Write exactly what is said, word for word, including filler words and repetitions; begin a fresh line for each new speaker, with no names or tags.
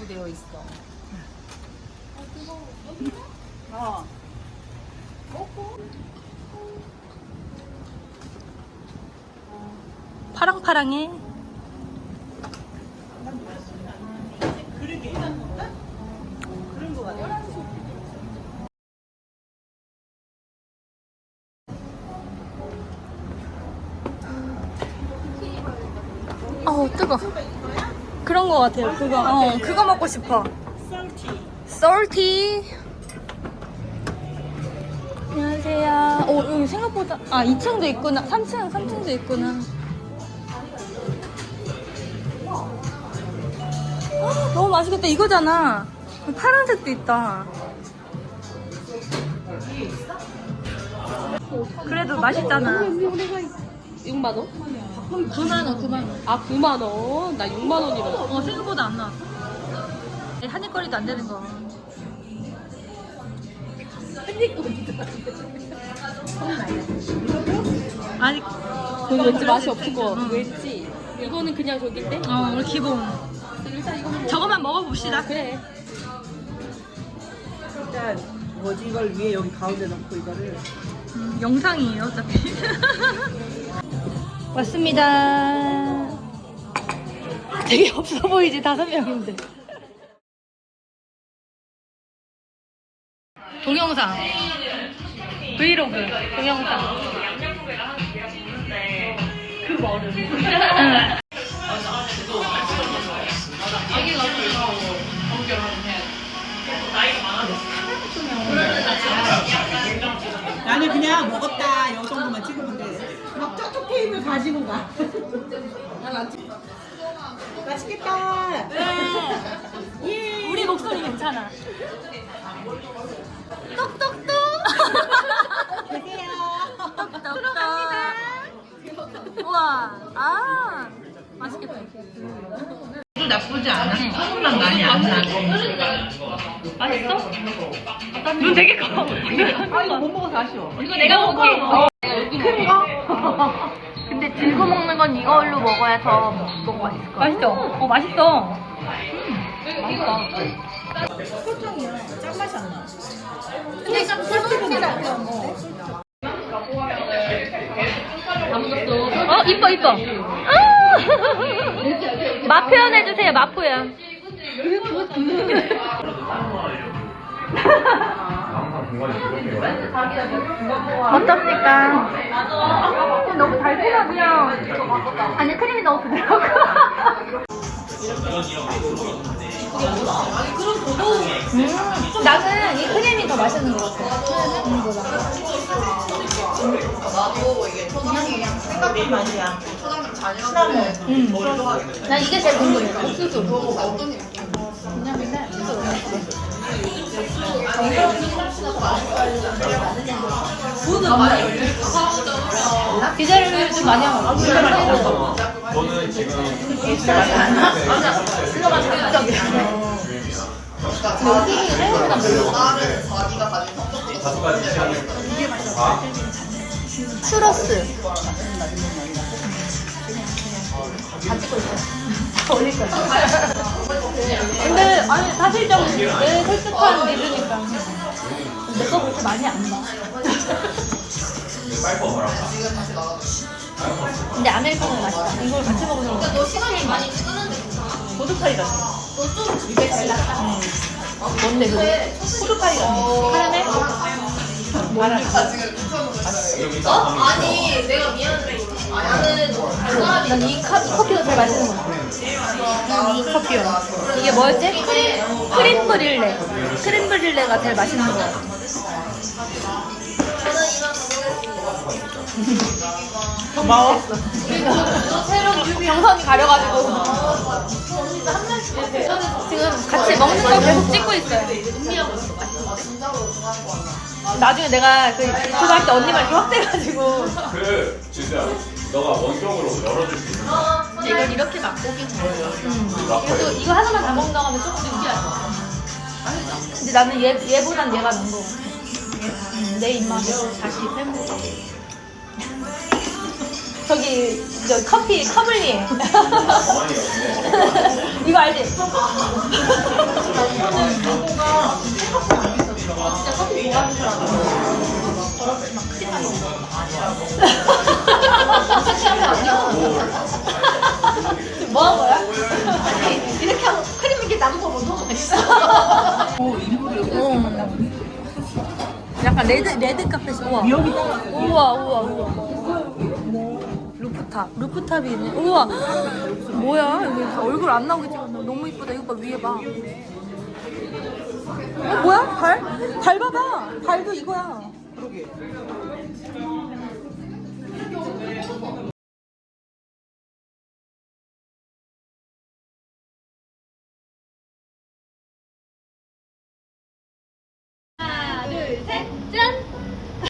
되어 있어.
어.
파랑파랑해.
그러게. 그런 거 같아.
어우 뜨거. 그런 거 같아요. 그거. 어 그거 먹고 싶어.
썰티.
salty. 안녕하세요. 오 여기 생각보다 아 이 층도 있구나. 삼 층 삼 층도 있구나. 헉, 너무 맛있겠다. 이거잖아. 파란색도 있다. 그래도 맛있잖아.
육만 원?
구만 원, 구만 원.
아 구만 원? 나 육만 원이라고.
어, 생각보다 안 나. 한입거리도 안 되는 거. 아니,
그거 왠지 맛이 없을 것 같아. 왠지. 이거는 그냥 저긴데?
어, 우리 기본.
일단 이거는
저거만 먹어봅시다.
그래.
일단 뭐지 이걸 위에 여기 가운데 넣고 이거를.
음, 영상이에요, 어차피. 왔습니다. 되게 없어 보이지, 다섯 명인데. 동영상. 브이로그, 동영상.
그 머리.
응.
나는 그냥 먹었다 이 정도만 찍으면 돼. 막 저쪽 테이블 가지고 가. 맛있겠다.
예. 우리 목소리 괜찮아. 똑똑똑.
계세요.
들어갑니다. 우와, 아, 맛있겠다.
나쁘지 않아. 소금만 많이 안 나.
맛있어? 눈 되게 커.
아 이거 못 먹어서 아쉬워.
이거 내가 먹을게. 큰 거? 근데 들고 먹는 건 이걸로 먹어야 더 뭔가 맛있을 것 같아. 맛있죠? 어, 맛있어. 음, 맛있다.
설탕이야. 짠맛이 안 나.
근데 설탕이 안 나. 어, 이뻐, 이뻐. 아! 맛 표현해주세요, 맛 표현. 어떻습니까? 너무 달콤하고요. 아니, 크림이 너무 부드럽고. 음, 나는 이 크림이 더 맛있는 것 같아. 크림보다.
생각보다 맛이야.
음. 난 이게 제일 궁금해. 옥수수. 그냥 맨날 디젤을 좀 많이 하고.
저는 지금
여기 생각보다 별로.
다섯 가지 취향이
추러스. 다 찍고 있어. 올릴 거야. 근데 아니 사실 좀 내 솔직한 리뷰니까 내 거 그렇게 많이 안 봐.
빨리 먹어라.
근데 아메리카노는 맛있다. 이걸 같이 먹으면 너 시간이 많이
고춧가루 같아.
이게 제일 낫다. 응. 뭔데 그게?
고춧가루 같아.
카라멜?
뭐라?
어?
아니 내가 미안해. 나는
난 이 커피가 제일 맛있는 것 같아. 이 커피요. 이게 뭐였지? 크림, 크림 브릴레. 크림 브릴레가 제일 맛있는 것 같아.
고마워.
새로운 뮤비 영상이 가려가지고 지금 같이 먹는 거 계속 찍고 있어요. 나중에 내가 그 유튜브 할 때 언니만 이렇게 확대해가지고
그 진짜 너가 원격으로 열어줄 수 있는 거.
이걸 이렇게 맛보기 잘해. 음.
라커에.
그래도 이거 하나만 다 먹는다고 하면 조금 느끼할 것 같아. 근데 나는 얘, 얘보단 얘가 나은 거 같아. 음, 내 입맛에 다시 팬보다. 저기 저 커피 커블리에
가만히 없네.
이거 알지?
아니야. 뭐 한 거야? 아니, 이렇게 하고 크림 이렇게 남은 거 너무 맛있어.
어, 일부러 여기
어. 약간 레드 레드 카펫이 우와.
여기 따라.
우와 우와 우와. 루프탑 루프탑이 있네. 우와. 뭐야 여기 다 얼굴 안 나오게 찍었네. 너무 이쁘다. 이거 봐 위에 봐. 어 뭐야 발? 발 봐봐. 발도 이거야.
그러게.